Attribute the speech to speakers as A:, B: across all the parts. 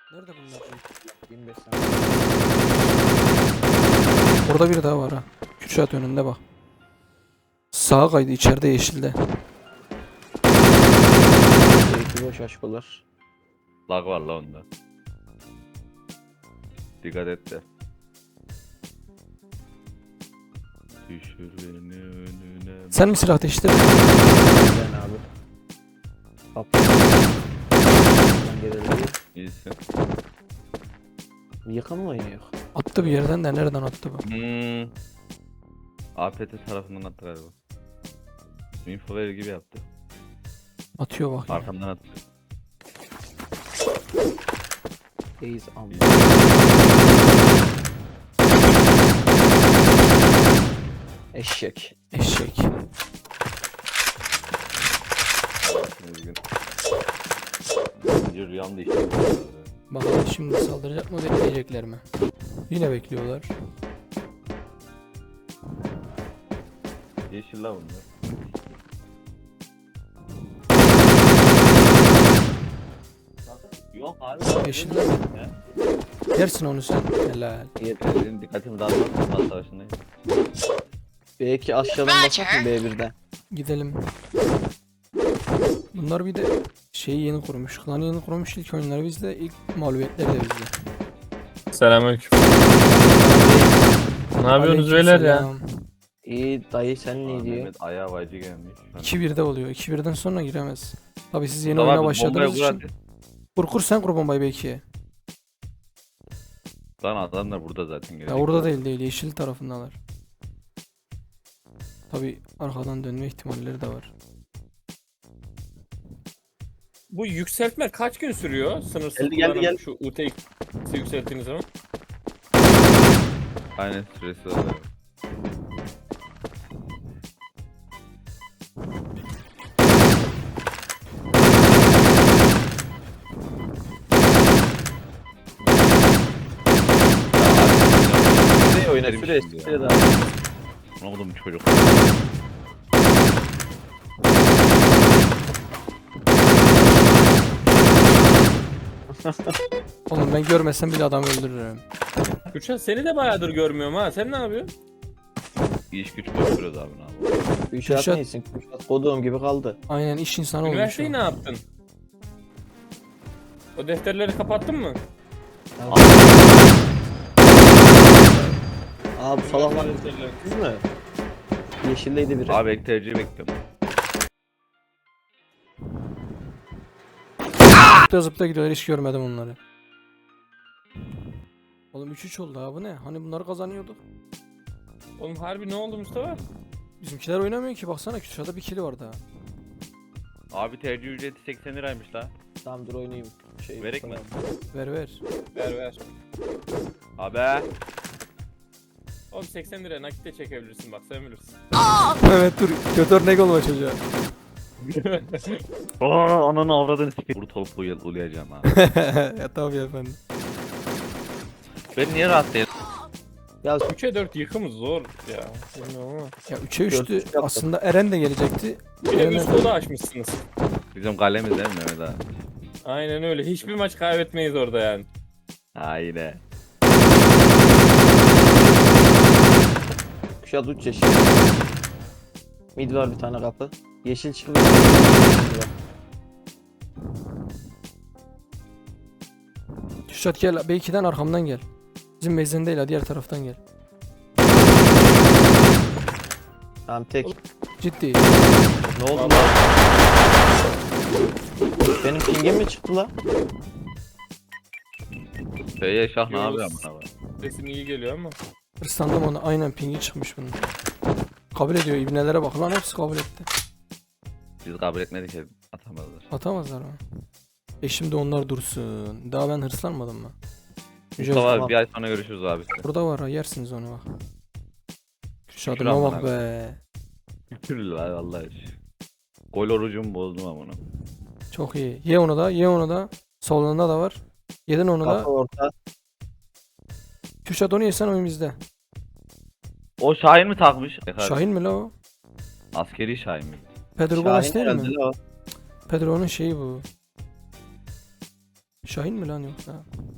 A: Nerede bunlar?
B: 25 saniye.
A: Orada biri daha var ha. Kürşat önünde bak. Sağa kaydı içeride yeşilde.
B: Belki boş aşkolar.
C: Lag var la onda. Dikkat et de. Düşür beni önüne.
A: Sen mi silah değiştirdin?
B: Ben abi. Kaptan gelelim.
C: İyisin.
B: Yakın mı oynuyor?
A: Attı bir yerden de nereden attı bu?
C: APT tarafından attı galiba. Info verir gibi yaptı.
A: Atıyor bak. Yine.
C: Arkamdan attı.
B: Reis am. Eşek.
A: Eşek.
C: Üzgün. Önce rüyamda işte.
A: Bakalım şimdi saldıracak mı bekleyecekler mi? Yine bekliyorlar.
C: Yeşil la bunlar. Yok abi.
A: Yeşiller mi? Yersin onu sen. Helal.
C: Benim dikkatimi dağıtmak Osman Savaşı'ndayım.
B: Belki aşağıdan basak mı B1'den?
A: Gidelim. Bunlar bir de şeyi yeni kurmuş. Klanı yeni kurmuş ilk oyunları bizde. İlk mağlubiyetleri de bizde.
D: Selamünaleyküm. Ne yapıyorsunuz beyler ya?
A: Aleykümselam.
B: İyi dayı sen ne diyor?
C: Mehmet ayağa vacı gelmiş.
A: 2-1'de oluyor. 2-1'den sonra giremez. Tabi siz yeni
C: Mustafa
A: oyuna
C: abi,
A: başladığınız
C: bombayı
A: için. Kur sen kur bombayı belki.
C: Lan adamlar burada zaten.
A: Ya orada değil yeşil tarafındalar. Tabi arkadan dönme ihtimalleri de var.
D: Bu yükseltme kaç gün sürüyor? Sınırsız
B: Geldi,
D: kullanım
B: geldi.
D: şu UTX'i yükselttiğiniz zaman.
C: Aynen süresi var.
B: Süre oyna
C: Benim
B: süre
C: şimdi ya.
B: süre daha.
C: Ne oldu bu çocuk?
A: Oğlum ben görmesem bile adam öldürürüm.
D: Kürşat seni de bayağıdır görmüyorum ha. Sen ne yapıyorsun?
C: İş güç koşturuyoruz abi ne yapalım.
B: Kuşat
A: Kuşat-
B: neysin? Kuşat koduğum gibi kaldı.
A: Aynen iş insanı olmuş o.
D: Üniversiteyi ne yaptın? O defterleri kapattın mı?
B: Aa bu salaklar
D: Defterleri.
B: siz mi? Yeşildeydi biri.
C: Abi ek tercih bekliyorum.
A: Zıpta zıpta gidiyorlar hiç görmedim onları. Oğlum 3-3 oldu ha bu ne? Hani bunları kazanıyorduk.
D: Oğlum harbi ne oldu Mustafa?
A: Bizimkiler oynamıyor ki baksana Kürşat'ta bir kili var daha.
C: Abi tercih ücreti 80 liraymış la.
B: Tamam dur oynayayım.
C: Verek mi?
A: Ver ver.
D: Ver ver.
C: Abi.
D: Oğlum 80 liraya nakit de çekebilirsin bak sen bilirsin.
A: Evet dur kötü örnek olma çocuğa.
C: Ananı avradını sikeyim. Vuru toplu ulayacağım ha.
A: Ya tabii efendim.
C: Ben niye rahat değilim?
B: Ya
D: 3'e 4 yıkımız zor ya. Bilmiyorum ama.
A: Ya 3'e 3'tü
B: Dört üç yaptım.
A: aslında Eren de gelecekti.
D: Bir de
A: Eren-
D: üst kodu açmışsınız.
C: Bizim kalemiz değil mi Mehmet abi?
D: Aynen öyle. Hiçbir maç kaybetmeyiz orada yani.
C: Aynen.
B: Kuşat uç yeşil. Mid var bir tane kapı. Yeşil çıkıyor.
A: Kürşat gel B2'den arkamdan gel. Bizim mezden değil ha diğer taraftan gel.
B: Tamam tek.
A: Ciddi.
B: Ne oldu lan? Benim pingim mi çıktı lan?
C: Feye şah ne
D: Yunus.
C: yapıyor amına koyayım?
D: Sesin iyi geliyor ama.
A: Hırslandım ona aynen pingi çıkmış bunun. Kabul ediyor ibnelere bak lan hepsi kabul etti.
C: Biz kabul etmedik ki atamazlar.
A: Atamazlar mı? Şimdi onlar dursun. Daha ben hırslanmadım mı?
C: Mustafa
B: tamam.
C: abi bir ay sonra görüşürüz abi.
A: Burada var ha yersiniz onu bak.
C: Şükür
A: Kürşat'ıma bak
C: Allah'ına.
A: be.
C: Şükür la vallahi. Gol orucumu bozdum ama bunu.
A: Çok iyi. Ye onu da ye onu da. Solunda da var. Yedin onu da.
B: Kapı orta.
A: Kürşat onu yesen oyun bizde.
C: O Şahin mi takmış?
A: Şahin mi la o?
C: Askeri Şahin mi?
A: Pedro Gomes
B: Şahin
A: değil mi?
B: herhalde lan o.
A: Pedro'nun şeyi bu. Şahin mi lan yoksa?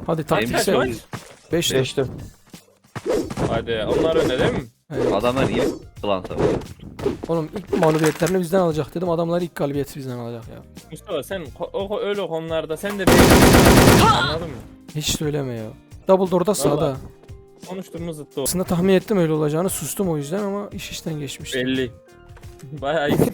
A: Hadi
D: Kaç
A: taktiksel.
D: kaç?
A: 5
B: Geçtim.
D: Hadi onlar önde değil mi?
C: Adamlar iyi klan savaşı.
A: Oğlum ilk mağlubiyetlerini bizden alacak dedim. Adamlar ilk galibiyeti bizden alacak ya.
D: Mustafa sen öyle konularda sen de anladın mı?
A: Hiç söyleme ya. Double door'da sağda.
D: Vallahi. Konuştuğumuz zıttı o.
A: Aslında tahmin ettim öyle olacağını. Sustum o yüzden ama iş işten geçmişti.
D: Belli. Bayağı iyi.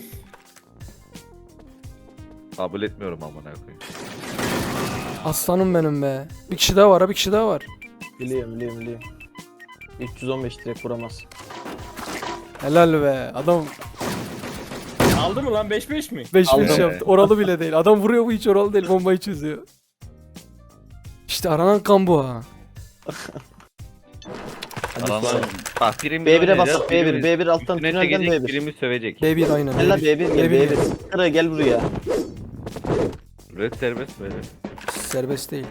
C: Kabul etmiyorum amına koyayım.
A: Aslanım benim be. Bir kişi daha var ha, bir kişi daha var.
B: Biliyorum. 315 direkt vuramaz.
A: Helal be. Adam
D: Aldı mı lan 5-5 mi?
A: 5-5
B: Aldım.
A: yaptı. Oralı bile değil. Adam vuruyor, bu hiç oralı değil. Bombayı çözüyor. İşte aranan kan bu ha.
B: Hadi
C: Adamlar
B: sonra.
C: bak birimiz
B: B1'e
C: oynayacağız,
B: basak B1.
C: birimiz
B: B1 alttan
C: üstüne
B: tünelden
C: çekecek,
B: B1.
C: birimiz sövecek.
A: B1 aynen.
B: Gel lan
A: B1.
B: B1 gel
A: B1.
B: B1. Kıra gel buraya.
C: Red serbest böyle.
A: Serbest değil.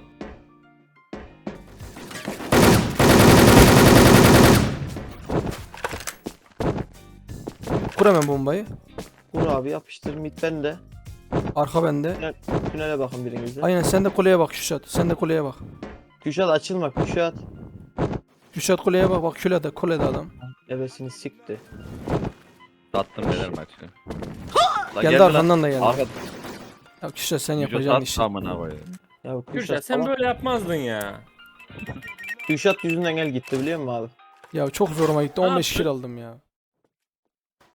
A: Kur hemen bombayı.
B: Vur abi yapıştır mid bende.
A: Arka bende.
B: Tünele bakın birinize.
A: Aynen sen de kuleye bak Küşat. Sen de kuleye bak.
B: Küşat açılma Küşat.
A: Küşat kuleye bak. Bak kulede adam.
B: Ebesini sikti.
C: Sattım neler maçı. Lan
A: Geldi
C: gel lan.
A: arkandan da geldi.
C: Arka
A: Ya Küşat sen
C: Vücut
A: yapacağın
C: at
A: işi.
C: amına koyayım.
B: Ya
D: Gürşat
B: Küşat
D: sen
B: ama
D: böyle yapmazdın ya.
B: Küşat yüzünden gel gitti biliyor musun abi?
A: Ya çok zoruma gitti.
D: Ne
A: 15 kill
D: yaptın?
A: aldım ya.